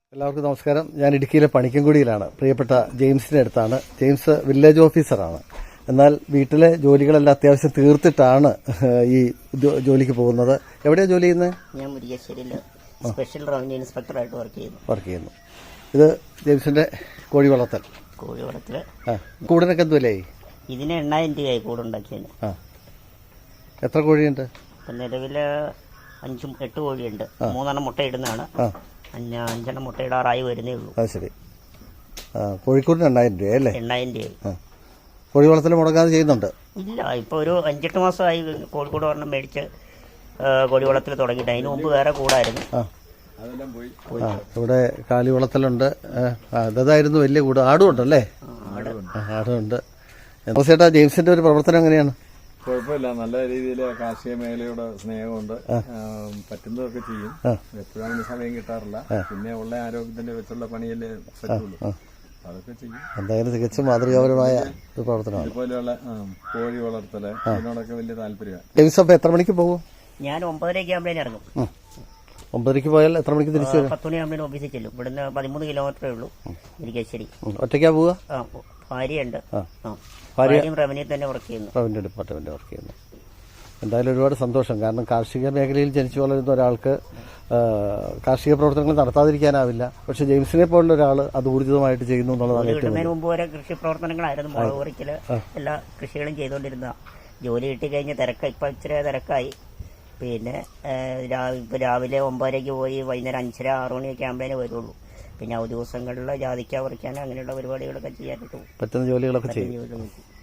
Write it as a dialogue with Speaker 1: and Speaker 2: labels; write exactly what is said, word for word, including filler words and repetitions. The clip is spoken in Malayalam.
Speaker 1: എല്ലാവർക്കും നമസ്കാരം. ഞാൻ ഇടുക്കിയിലെ പണിക്കൻകുടിയിലാണ്. പ്രിയപ്പെട്ട ജെയിംസിന്റെ അടുത്താണ്. ജെയിംസ് വില്ലേജ് ഓഫീസറാണ്. എന്നാൽ വീട്ടിലെ ജോലികളെല്ലാം അത്യാവശ്യം തീർത്തിട്ടാണ് ഈ ജോലിക്ക് പോകുന്നത്. എവിടെയാണ് ജോലി ചെയ്യുന്നത്?
Speaker 2: ഞാൻ മുരിക്കാശ്ശേരിയിൽ സ്പെഷ്യൽ റവന്യൂ ഇൻസ്പെക്ടറായിട്ട് വർക്ക് ചെയ്യുന്നു
Speaker 1: വർക്ക് ചെയ്യുന്നു ഇത് ജെയിംസിന്റെ കോഴി വളർത്തൽ.
Speaker 2: കോഴി വളർത്തല്
Speaker 1: കൂടിനൊക്കെ എന്തുവല്ലായി?
Speaker 2: ഇതിന് എണ്ണായിരം രൂപയായി കൂടുണ്ടാക്കിയതിന്.
Speaker 1: ആ എത്ര കോഴിയുണ്ട്?
Speaker 2: നിലവില് അഞ്ചും എട്ട് കോഴിയുണ്ട്. മൂന്നെണ്ണം മുട്ടയിടുന്നതാണ്. അഞ്ചെണ്ണം മുട്ടയിടാറായി വരുന്നേ ഉള്ളൂ.
Speaker 1: അത് ശരി. കോഴിക്കൂടിന് എണ്ണായിരം രൂപ അല്ലേ?
Speaker 2: എണ്ണായിരം രൂപയായി.
Speaker 1: കോഴി വളർത്തൽ മുടങ്ങാതെ ചെയ്യുന്നുണ്ട്?
Speaker 2: ഇല്ല, ഇപ്പൊ ഒരു അഞ്ചെട്ട് മാസമായി കോഴിക്കോട് ഒരെണ്ണം മേടിച്ച് കോഴി വളർത്തൽ തുടങ്ങിയിട്ട്. അതിന് മുമ്പ് വേറെ കൂടായിരുന്നു.
Speaker 1: ഇവിടെ കാലി വളർത്തലുണ്ട്. അതായിരുന്നു വലിയ കൂട്. ആടും ഉണ്ടല്ലേ? ആടുണ്ട്. ചേട്ടാ, ജെയിംസിന്റെ ഒരു പ്രവർത്തനം എങ്ങനെയാണ്?
Speaker 3: കുഴപ്പമില്ല, നല്ല രീതിയിൽ കാർഷിക മേഖലയുടെ സ്നേഹമുണ്ട്. പറ്റുന്നതൊക്കെ ചെയ്യും. എപ്പോഴും അതിന് സമയം കിട്ടാറില്ല. പിന്നെ ഉള്ള ആരോഗ്യത്തിന്റെ വെച്ചുള്ള പണിയല്ലേ പറ്റുള്ളൂ. അതൊക്കെ ചെയ്യും.
Speaker 1: എന്തായാലും തികച്ചും മാതൃകാപരമായ ഒരു പ്രവർത്തനമാണ്.
Speaker 3: ഇതുപോലെയുള്ള കോഴി വളർത്തല് ഇതിനോടൊക്കെ വലിയ താല്പര്യമാണ്.
Speaker 1: ജെയിംസ് അപ്പൊ എത്ര മണിക്ക് പോകും?
Speaker 2: ഞാൻ ഒമ്പതരയ്ക്ക് ആകുമ്പോഴേ ഇറങ്ങും.
Speaker 1: ഒമ്പതരയ്ക്ക് പോയാൽ എത്ര മണിക്ക് തിരിച്ചു വരും?
Speaker 2: പത്ത് മണിയാകുമ്പോഴേ ഓഫീസിൽ ചെല്ലും. ഇവിടുന്ന് പതിമൂന്ന് കിലോമീറ്ററേ ഉള്ളൂ. മുരിക്കാശ്ശേരി.
Speaker 1: ഒറ്റയ്ക്കാ പോവുക?
Speaker 2: ഭാര്യയുണ്ട്.
Speaker 1: ഭാര്യ
Speaker 2: റവന്യൂ തന്നെ വർക്ക് ചെയ്യുന്നു.
Speaker 1: റവന്യൂ ഡിപ്പാർട്ട്മെന്റ് വർക്ക് ചെയ്യുന്നു. എന്തായാലും ഒരുപാട് സന്തോഷം. കാരണം കാർഷിക മേഖലയിൽ ജനിച്ചു വളരുന്ന ഒരാൾക്ക് കാർഷിക പ്രവർത്തനങ്ങൾ നടത്താതിരിക്കാനാവില്ല. പക്ഷെ ജെയിംസിനെ പോലുള്ള ഒരാൾ അത് ഊർജിതമായിട്ട് ചെയ്യുന്നു എന്നുള്ളതാണ് ഏറ്റവും വലിയ.
Speaker 2: മുമ്പ് വരെ കൃഷി പ്രവർത്തനങ്ങളായിരുന്നു. മുളക് പറിക്കല് എല്ലാ കൃഷികളും ചെയ്തുകൊണ്ടിരുന്ന. ജോലി കിട്ടിക്കഴിഞ്ഞ് തിരക്ക് ഇപ്പൊ ഇച്ചിരി തിരക്കായി. പിന്നെ ഇപ്പൊ രാവിലെ ഒമ്പതരയ്ക്ക് പോയി വൈകുന്നേരം അഞ്ചര ആറു മണിയൊക്കെ ആകുമ്പോഴേ വരുള്ളൂ. പിന്നെ ആ ദിവസങ്ങളിൽ ജാതിക്ക പറിക്കാൻ അങ്ങനെയുള്ള പരിപാടികളൊക്കെ ചെയ്യാനായിട്ട്
Speaker 1: പറ്റുന്ന ജോലികളൊക്കെ ചെയ്യും.